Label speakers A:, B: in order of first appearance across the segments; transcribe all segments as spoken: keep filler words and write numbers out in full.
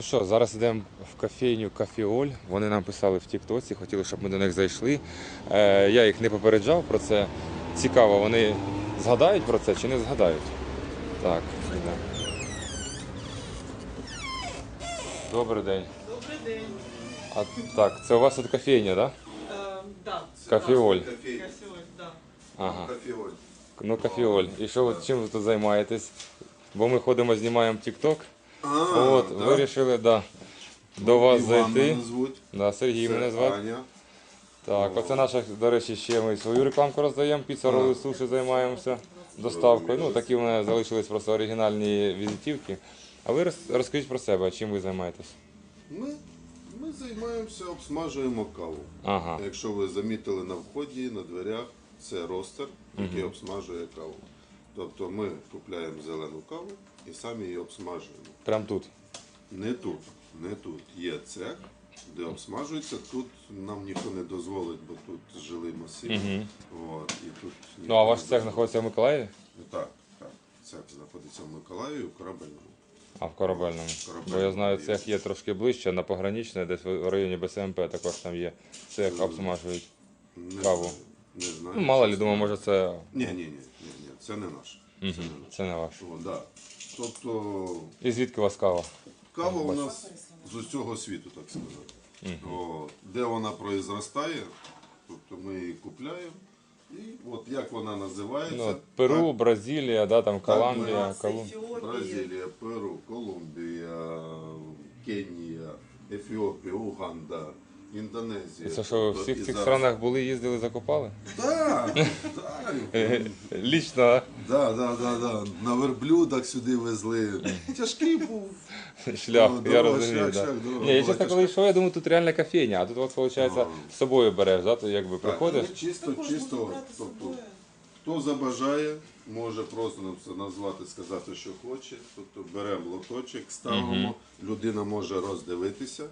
A: Що, зараз йдемо в кофейню Кафіоль. Вони нам писали в Тіктоці, хотіли, щоб ми до них зайшли. Е, я їх не попереджав про це. Цікаво, вони згадають про це чи не згадають? Так, йдемо. Добрий день.
B: Добрий день.
A: А, так, це у вас тут кофейня, так?
B: Е, да.
A: Кафіоль.
B: Кафеоль, да.
A: Ага.
C: Кофеоль.
A: Ну, Кафіоль. І що, ви- чим ви тут займаєтесь? Бо ми ходимо, знімаємо Тікток. От,
C: да?
A: вирішили, да, до вас
C: Іван
A: зайти.
C: мене звуть.
A: Да, Сергій
C: Це
A: мене звати.
C: Аня.
A: Так, оце наша, до речі, ще ми свою рекламку роздаємо, піца, роли, суші займаємося доставкою. Ну, такі в мене залишились просто оригінальні візитівки. А ви роз- розкажіть про себе, чим ви займаєтесь?
C: Ми, ми займаємося, обсмажуємо каву.
A: Ага.
C: Якщо ви замітили на вході, на дверях, це ростер, який обсмажує каву. Тобто ми купляємо зелену каву і самі її обсмажуємо.
A: Прям тут.
C: Не тут, не тут. Є цех, де обсмажується. Тут нам ніхто не дозволить, бо тут жилий масив. От, і тут
A: Ну, а ваш
C: ніхто
A: цех
C: не
A: знаходиться в Миколаєві?
C: дозволить. Так, так. Цех знаходиться в Миколаєві, в Корабельному.
A: А в Корабельному.
C: Корабельному
A: Бо я знаю,
C: є.
A: цех є трошки ближче, на пограничне, десь в районі Б С М П також там є. Цех обсмажують.
C: Не
A: Каву.
C: знаю, Не знаю.
A: Ну, мало лі,
C: чесно.
A: думаю, може це,
C: Ні, ні, ні, ні, ні, це не наш. Це не наш.
A: це не ваш.
C: О, да. Тобто
A: І звідки у вас кава?
C: кава у нас з усього світу, так сказати. О, де вона произростає, тобто ми її купляємо. І от як вона називається.
A: Ну, Перу,
C: так,
A: Бразилія, да, там Колумбія,
B: Так,
A: Колум...
B: Ефіопія.
C: Бразилія, Перу, Колумбія, Кенія, Ефіопія, Уганда, Індонезія.
A: Це що, ви в
C: Тобто
A: всіх
C: і
A: цих
C: зараз-
A: странах були, їздили, закупали?
C: Так, так.
A: Лічно, а?
C: Да, да, да, да. На верблюдах сюди везли. Тяжкий був.
A: Шлях,
C: Ну,
A: я
C: дорога,
A: розумію.
C: шлях,
A: Да.
C: шлях, дорога
A: Ні, я
C: була
A: чесно, коли
C: тяжка.
A: йшов, я думаю, тут реальна кофейня, а тут от, виходить,
C: Ну.
A: з собою береш, да? То якби
C: Так,
A: приходиш.
C: ну, чисто,
B: Також можна
C: чисто,
B: брати з
C: тобто,
B: собою.
C: хто забажає, може просто нам це назвати, сказати, що хоче. Тобто беремо лоточок, ставимо, людина може роздивитися,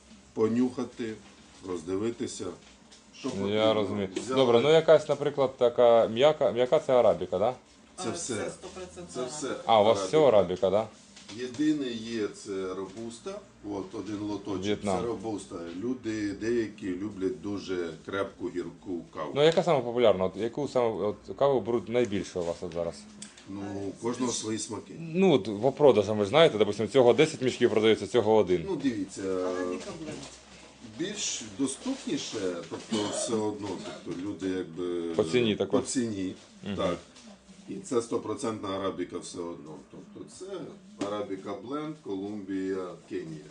C: понюхати, роздивитися. Що
A: Я
C: потрібно.
A: розумію.
C: Взяли.
A: Добре, ну якась, наприклад, така м'яка, м'яка це арабіка, да?
C: Це
B: А,
C: все.
B: Це сто відсотків
C: Це все.
A: А, у вас все арабіка, да?
C: Єдине є це робуста, от один лоточок,
A: В'єтнам.
C: це робуста. Люди деякі люблять дуже крепку гірку каву.
A: Ну яка саме популярна? От, яку саме от, каву беруть найбільше у вас от зараз?
C: Ну, у кожного свої смаки.
A: Ну, от по продажам, ви ж знаєте, допустим, цього десять мішків продається, цього один.
C: Ну, дивіться,
B: Арабіка бленд.
C: більш доступніше, тобто все одно, тобто люди якби
A: По ціні також.
C: по ціні, так. І це стопроцентна арабіка все одно. Тобто це арабіка бленд, Колумбія, Кенія.